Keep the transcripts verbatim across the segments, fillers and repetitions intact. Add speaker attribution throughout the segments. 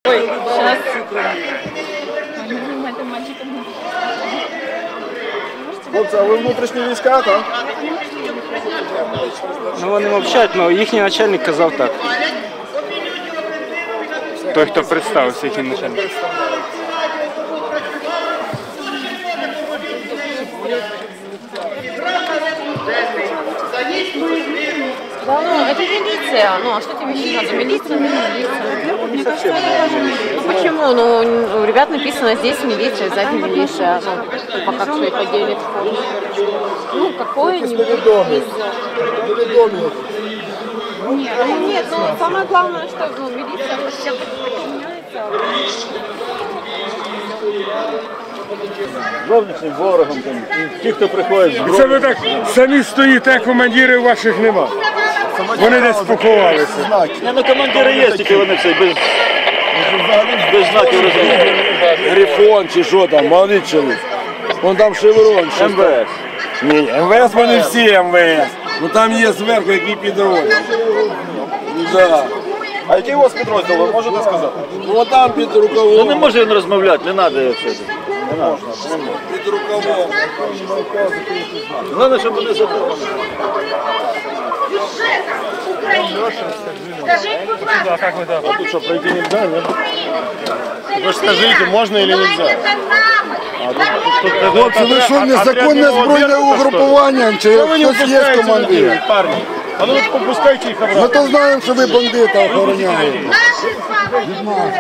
Speaker 1: Ой, сейчас.
Speaker 2: Хлопці, а ви внутрішні війська, так?
Speaker 3: Ну вони мовчать, але їхній начальник казав так. Той, хто представився, їхній начальник.
Speaker 1: Да, ну, это милиция. Ну, а что тебе еще надо? Милиция, не милиция. Ну, почему? Ну, у ребят написано здесь милиция, сзади милиция. Ну, пока кто их поделит. Ну, какой-нибудь. Нет, ну, нет, ну, самое главное, что ну, милиция вообще меняется.
Speaker 2: Зовнішнім ворогом, там, ті, хто приходять з
Speaker 4: Це ви так самі стоїте, командирів ваших нема. Вони десь поховалися.
Speaker 2: Ні, ну командири є, тільки вони все без, без знаків розуміють. Грифон чи що там, молодий чоловік. Вон там шеврон, що ем ве ес.
Speaker 4: Ні, ем ве ес вони всі ем ве ес. Ну там є зверху, які підрозділи.
Speaker 2: Да. А який у вас підрозділ, ви можете сказати?
Speaker 4: Ну там під рукавом.
Speaker 2: Ну не може він розмовляти, не треба це. Не можна, не можна.
Speaker 4: Під рукавом.
Speaker 2: Головне, щоб вони задоволені.
Speaker 5: Скажіть, будь ласка,
Speaker 2: А тут що, пройти не можна, ні?
Speaker 5: вы скажите, можно или нельзя?
Speaker 4: Хлопці, ви що, незаконне збройне угрупування, чи хтось є командир?
Speaker 2: Парні, а ну попускайте їх обратно.
Speaker 4: Ми то знаємо, що ви бандита охороняєте.
Speaker 5: Наші з вами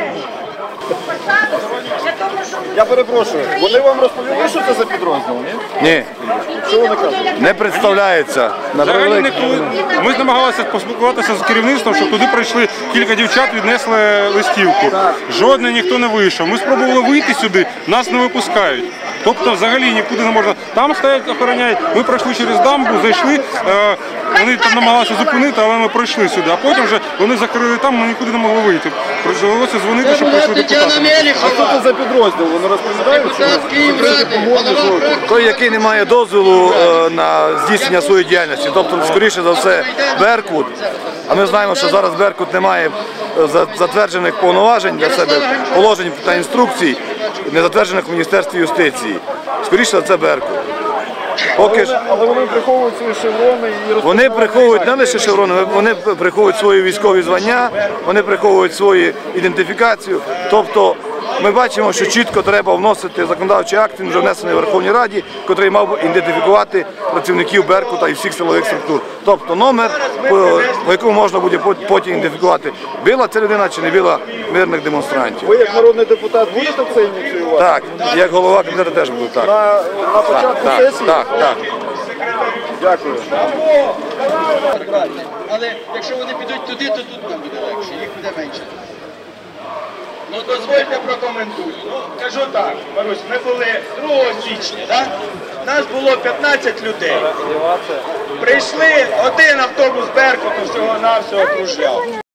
Speaker 2: Я перепрошую, вони вам розповіли, що це за підрозділ, ні?
Speaker 6: Ні,
Speaker 2: Що вони кажуть?
Speaker 6: не представляється. На
Speaker 7: Взагалі
Speaker 6: превеликий-
Speaker 7: ніхто. Ми намагалися поспілкуватися з керівництвом, щоб туди прийшли кілька дівчат, віднесли листівку. Жодний ніхто не вийшов. Ми спробували вийти сюди, нас не випускають. Тобто взагалі нікуди не можна. Там стоять, охороняють. Ми пройшли через дамбу, зайшли. Е, вони там намагалися зупинити, але ми пройшли сюди. А потім вже вони закрили там, ми нікуди не могли вийти. Довелося дзвонити, щоб прийшли депутати.
Speaker 2: А що це за підрозділ? Вони розповідають, що
Speaker 6: Той, який не має дозволу е, на здійснення своєї діяльності. Тобто, скоріше за все, Беркут. А ми знаємо, що зараз Беркут не має е, за- затверджених повноважень для себе, положень та інструкцій, не затверджених в Міністерстві юстиції. Скоріше за це Беркут. Поки ж
Speaker 2: але вони приховують свої шеврони і
Speaker 6: вони приховують не лише шеврони, вони приховують свої військові звання, вони приховують свою ідентифікацію. Тобто ми бачимо, що чітко треба вносити законодавчий акт, він вже внесений в Верховній Раді, який мав би ідентифікувати працівників Беркута і всіх силових структур. Тобто номер, по, по якому можна буде потім ідентифікувати, била ця людина чи не била мирних демонстрантів.
Speaker 2: ви як народний депутат будете це ініціювати?
Speaker 6: Так, як голова комітету теж буду так.
Speaker 2: На, на початку
Speaker 6: Так,
Speaker 2: сесії?
Speaker 6: так, так.
Speaker 2: Дякую.
Speaker 8: Але якщо вони підуть туди, то тут нам буде легше, їх буде менше. Ну дозвольте прокоментую. Ну, кажу так, Марусь, ми були другого січня, так? Нас було п'ятнадцять людей. Прийшли, один автобус Беркуту всього-навсього кружляв.